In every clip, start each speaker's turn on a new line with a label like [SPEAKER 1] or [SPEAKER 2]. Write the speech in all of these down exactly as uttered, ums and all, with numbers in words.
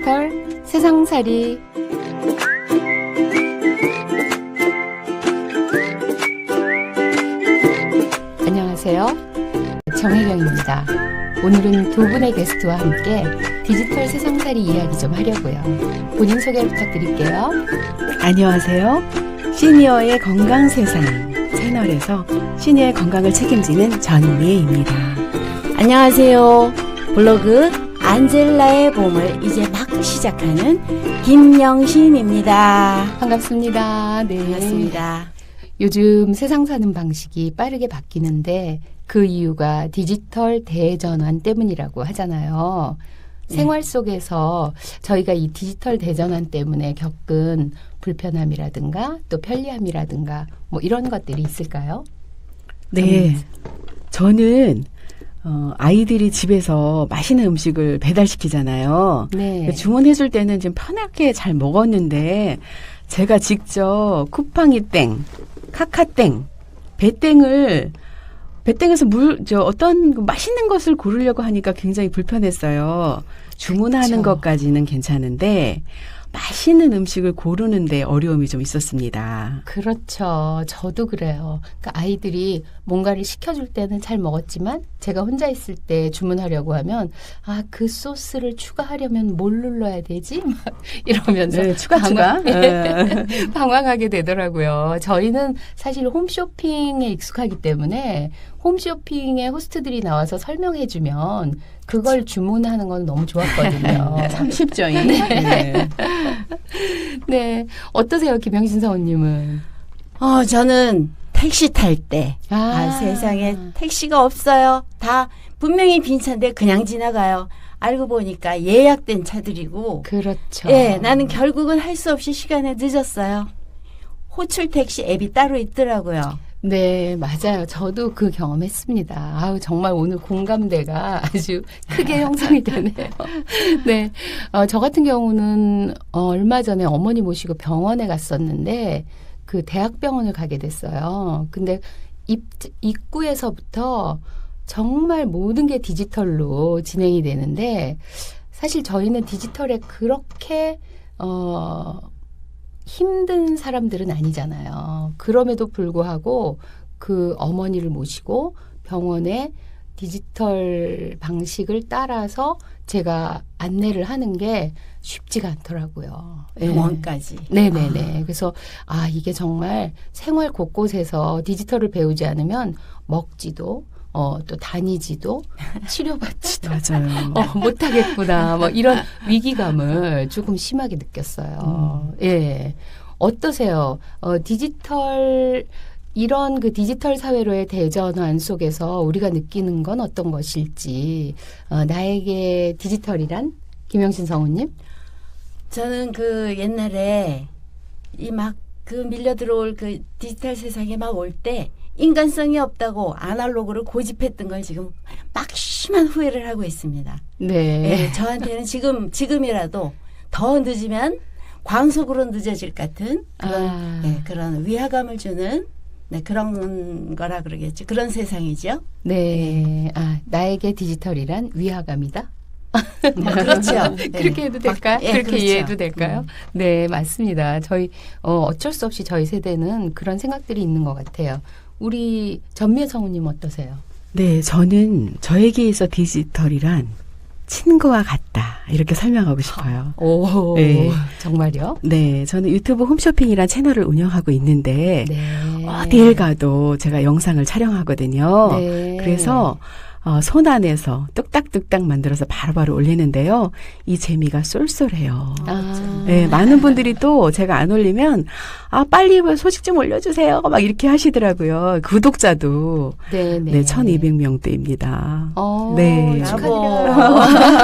[SPEAKER 1] 디지털 세상살이. 안녕하세요. 정혜경입니다. 오늘은 두 분의 게스트와 함께 디지털 세상살이 이야기 좀 하려고요. 본인 소개 부탁드릴게요.
[SPEAKER 2] 안녕하세요. 시니어의 건강세상 채널에서 시니어의 건강을 책임지는 전미애입니다.
[SPEAKER 3] 안녕하세요. 블로그 안젤라의 봄을 이제 막 시작하는 김영신입니다.
[SPEAKER 1] 반갑습니다. 네.
[SPEAKER 3] 반갑습니다.
[SPEAKER 1] 요즘 세상 사는 방식이 빠르게 바뀌는데 그 이유가 디지털 대전환 때문이라고 하잖아요.
[SPEAKER 3] 네.
[SPEAKER 1] 생활 속에서 저희가 이 디지털 대전환 때문에 겪은 불편함이라든가 또 편리함이라든가 뭐 이런 것들이 있을까요?
[SPEAKER 2] 네. 저는 어, 아이들이 집에서 맛있는 음식을 배달시키잖아요.
[SPEAKER 1] 네.
[SPEAKER 2] 주문해줄 때는 좀 편하게 잘 먹었는데 제가 직접 쿠팡이 땡, 카카땡, 배땡을 배땡에서 물, 저 어떤 맛있는 것을 고르려고 하니까 굉장히 불편했어요. 주문하는
[SPEAKER 1] 그쵸.
[SPEAKER 2] 것까지는 괜찮은데 맛있는 음식을 고르는데 어려움이 좀 있었습니다.
[SPEAKER 1] 그렇죠. 저도 그래요. 그러니까 아이들이 뭔가를 시켜줄 때는 잘 먹었지만 제가 혼자 있을 때 주문하려고 하면 아, 그 소스를 추가하려면 뭘 눌러야 되지? 막 이러면서
[SPEAKER 2] 네, 추가 추가. 네.
[SPEAKER 1] 방황하게 되더라고요. 저희는 사실 홈쇼핑에 익숙하기 때문에 홈쇼핑에 호스트들이 나와서 설명해주면 그걸 주문하는 건 너무 좋았거든요.
[SPEAKER 2] 참 쉽죠. 네.
[SPEAKER 1] 네. 네. 어떠세요, 김영신 사원님은?
[SPEAKER 3] 어, 저는 택시 탈 때, 아,
[SPEAKER 1] 아.
[SPEAKER 3] 세상에 택시가 없어요. 다 분명히 빈 차인데 그냥 지나가요. 알고 보니까 예약된 차들이고,
[SPEAKER 1] 그렇죠.
[SPEAKER 3] 예, 나는 결국은 할 수 없이 시간에 늦었어요. 호출 택시 앱이 따로 있더라고요.
[SPEAKER 1] 네, 맞아요. 저도 그 경험했습니다. 아우, 정말 오늘 공감대가 아주 크게 형성이 되네요. 네. 어, 저 같은 경우는 어, 얼마 전에 어머니 모시고 병원에 갔었는데 그 대학병원을 가게 됐어요. 근데 입, 입구에서부터 정말 모든 게 디지털로 진행이 되는데 사실 저희는 디지털에 그렇게 어, 힘든 사람들은 아니잖아요. 그럼에도 불구하고 그 어머니를 모시고 병원에 디지털 방식을 따라서 제가 안내를 하는 게 쉽지가 않더라고요.
[SPEAKER 3] 병원까지.
[SPEAKER 1] 네. 네네네. 그래서 아, 이게 정말 생활 곳곳에서 디지털을 배우지 않으면 먹지도 어, 또 다니지도 치료받지도
[SPEAKER 2] 맞아요.
[SPEAKER 1] 어, 못하겠구나. 뭐 이런 위기감을 조금 심하게 느꼈어요.
[SPEAKER 2] 음.
[SPEAKER 1] 예. 어떠세요? 어, 디지털 이런 그 디지털 사회로의 대전환 속에서 우리가 느끼는 건 어떤 것일지 어, 나에게 디지털이란 김영신 성우님?
[SPEAKER 3] 저는 그 옛날에 이 막 그 밀려 들어올 그 디지털 세상에 막 올 때 인간성이 없다고 아날로그를 고집했던 걸 지금 막심한 후회를 하고 있습니다.
[SPEAKER 1] 네.
[SPEAKER 3] 네, 저한테는 지금 지금이라도 더 늦으면 광속으로 늦어질 것 같은 그런
[SPEAKER 1] 아.
[SPEAKER 3] 네, 그런 위화감을 주는 네, 그런 거라 그러겠죠. 그런 세상이죠.
[SPEAKER 1] 네. 아, 나에게 디지털이란 위화감이다?
[SPEAKER 3] 네, 그렇죠. 네.
[SPEAKER 1] 그렇게 해도 될까요?
[SPEAKER 3] 네,
[SPEAKER 1] 그렇게
[SPEAKER 3] 그렇죠.
[SPEAKER 1] 이해해도 될까요?
[SPEAKER 3] 음.
[SPEAKER 1] 네, 맞습니다. 저희 어, 어쩔 수 없이 저희 세대는 그런 생각들이 있는 것 같아요. 우리 전미애 성우님 어떠세요?
[SPEAKER 2] 네, 저는 저에게 있어 디지털이란 친구와 같다. 이렇게 설명하고 싶어요.
[SPEAKER 1] 오,
[SPEAKER 2] 네.
[SPEAKER 1] 정말요?
[SPEAKER 2] 네, 저는 유튜브 홈쇼핑이란 채널을 운영하고 있는데
[SPEAKER 1] 네.
[SPEAKER 2] 어딜 가도 제가 영상을 촬영하거든요.
[SPEAKER 1] 네.
[SPEAKER 2] 그래서 어, 손 안에서 뚝딱뚝딱 만들어서 바로바로 올리는데요. 이 재미가 쏠쏠해요.
[SPEAKER 1] 아.
[SPEAKER 2] 네, 많은 분들이 또 제가 안 올리면 아 빨리 소식 좀 올려주세요. 막 이렇게 하시더라고요. 구독자도
[SPEAKER 1] 네, 네.
[SPEAKER 2] 네, 천이백 명대입니다.
[SPEAKER 1] 어,
[SPEAKER 2] 네.
[SPEAKER 1] 축하드려요.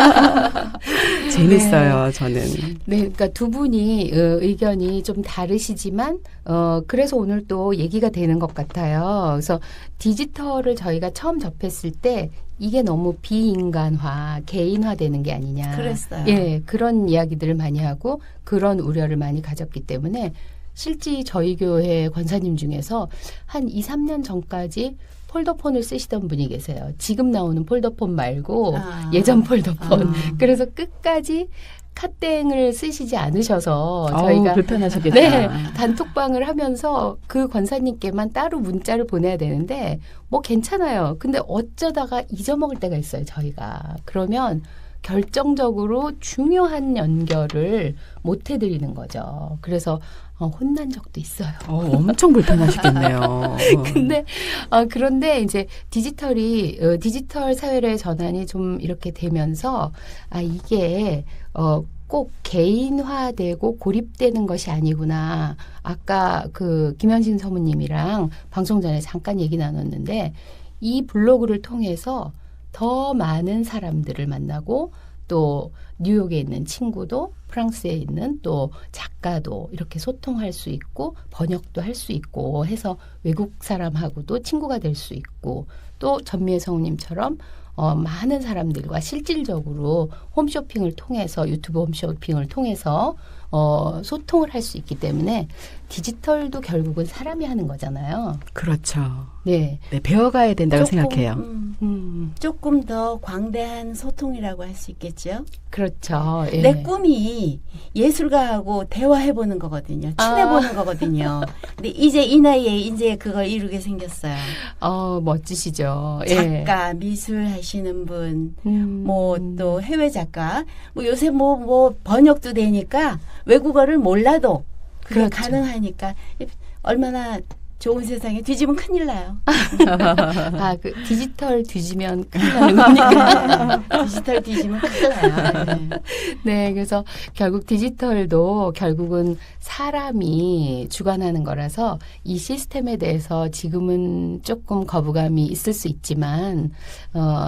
[SPEAKER 2] 재밌어요, 저는.
[SPEAKER 1] 네, 그러니까 두 분이 어, 의견이 좀 다르시지만 어 그래서 오늘 또 얘기가 되는 것 같아요. 그래서 디지털을 저희가 처음 접했을 때 이게 너무 비인간화, 개인화되는 게 아니냐.
[SPEAKER 3] 그랬어요.
[SPEAKER 1] 예, 그런 이야기들을 많이 하고 그런 우려를 많이 가졌기 때문에 실제 저희 교회 권사님 중에서 한 이, 삼 년 전까지 폴더폰을 쓰시던 분이 계세요. 지금 나오는 폴더폰 말고
[SPEAKER 3] 아.
[SPEAKER 1] 예전 폴더폰.
[SPEAKER 3] 아.
[SPEAKER 1] 그래서 끝까지 카카땡을 쓰시지 않으셔서
[SPEAKER 2] 어우,
[SPEAKER 1] 저희가
[SPEAKER 2] 불편하셨겠다.
[SPEAKER 1] 네, 단톡방을 하면서 그 권사님께만 따로 문자를 보내야 되는데 뭐 괜찮아요. 근데 어쩌다가 잊어먹을 때가 있어요, 저희가. 그러면 결정적으로 중요한 연결을 못 해드리는 거죠. 그래서 어, 혼난 적도 있어요.
[SPEAKER 2] 어, 엄청 불편하시겠네요.
[SPEAKER 1] 근데 어, 그런데 이제 디지털이 어, 디지털 사회로의 전환이 좀 이렇게 되면서 아 이게 어, 꼭 개인화되고 고립되는 것이 아니구나. 아까 그 김현신 서무님이랑 방송 전에 잠깐 얘기 나눴는데 이 블로그를 통해서 더 많은 사람들을 만나고 또 뉴욕에 있는 친구도 프랑스에 있는 또 작가도 이렇게 소통할 수 있고 번역도 할 수 있고 해서 외국 사람하고도 친구가 될 수 있고 또 전미애 성우님처럼 어, 많은 사람들과 실질적으로 홈쇼핑을 통해서 유튜브 홈쇼핑을 통해서 어, 소통을 할 수 있기 때문에 디지털도 결국은 사람이 하는 거잖아요.
[SPEAKER 2] 그렇죠.
[SPEAKER 1] 네.
[SPEAKER 2] 네, 배워가야 된다고
[SPEAKER 3] 조금,
[SPEAKER 2] 생각해요.
[SPEAKER 3] 음,
[SPEAKER 1] 음,
[SPEAKER 3] 조금 더 광대한 소통이라고 할 수 있겠죠.
[SPEAKER 1] 그렇죠. 예.
[SPEAKER 3] 내 꿈이 예술가하고 대화해보는 거거든요. 친해보는
[SPEAKER 1] 아.
[SPEAKER 3] 거거든요. 근데 이제 이 나이에 이제 그걸 이루게 생겼어요.
[SPEAKER 1] 어, 멋지시죠. 예.
[SPEAKER 3] 작가, 미술 하시는 분,
[SPEAKER 1] 음.
[SPEAKER 3] 뭐 또 해외 작가, 뭐 요새 뭐 뭐 번역도 되니까 외국어를 몰라도 그게
[SPEAKER 1] 그렇죠.
[SPEAKER 3] 가능하니까 얼마나 좋은 세상에 뒤집으면 큰일 나요.
[SPEAKER 1] 아, 그 디지털 뒤지면 큰일 나는 거니까.
[SPEAKER 3] 디지털 뒤집으면 큰일 나요. 네.
[SPEAKER 1] 네, 그래서 결국 디지털도 결국은 사람이 주관하는 거라서 이 시스템에 대해서 지금은 조금 거부감이 있을 수 있지만, 어,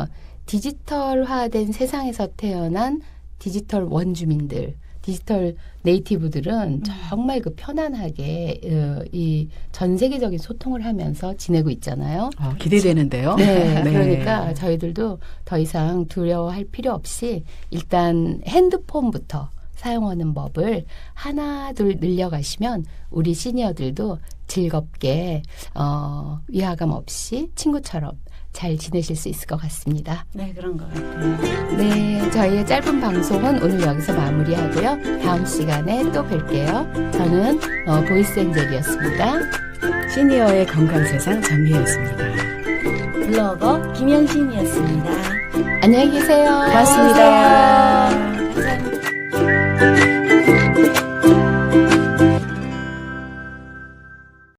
[SPEAKER 1] 디지털화된 세상에서 태어난 디지털 원주민들, 디지털 네이티브들은 정말 그 편안하게 어, 이 전 세계적인 소통을 하면서 지내고 있잖아요.
[SPEAKER 2] 어, 기대되는데요.
[SPEAKER 1] 네, 그러니까 저희들도 더 이상 두려워할 필요 없이 일단 핸드폰부터 사용하는 법을 하나 둘 늘려가시면 우리 시니어들도 즐겁게 어, 위화감 없이 친구처럼 잘 지내실 수 있을 것 같습니다.
[SPEAKER 3] 네, 그런 것 같아요.
[SPEAKER 1] 네, 저희의 짧은 방송은 오늘 여기서 마무리하고요. 다음 시간에 또 뵐게요. 저는 어, 보이스 엔젤이었습니다.
[SPEAKER 2] 시니어의 건강세상 전미혜였습니다.
[SPEAKER 3] 블로거 김영신이었습니다.
[SPEAKER 1] 안녕히 계세요.
[SPEAKER 2] 고맙습니다.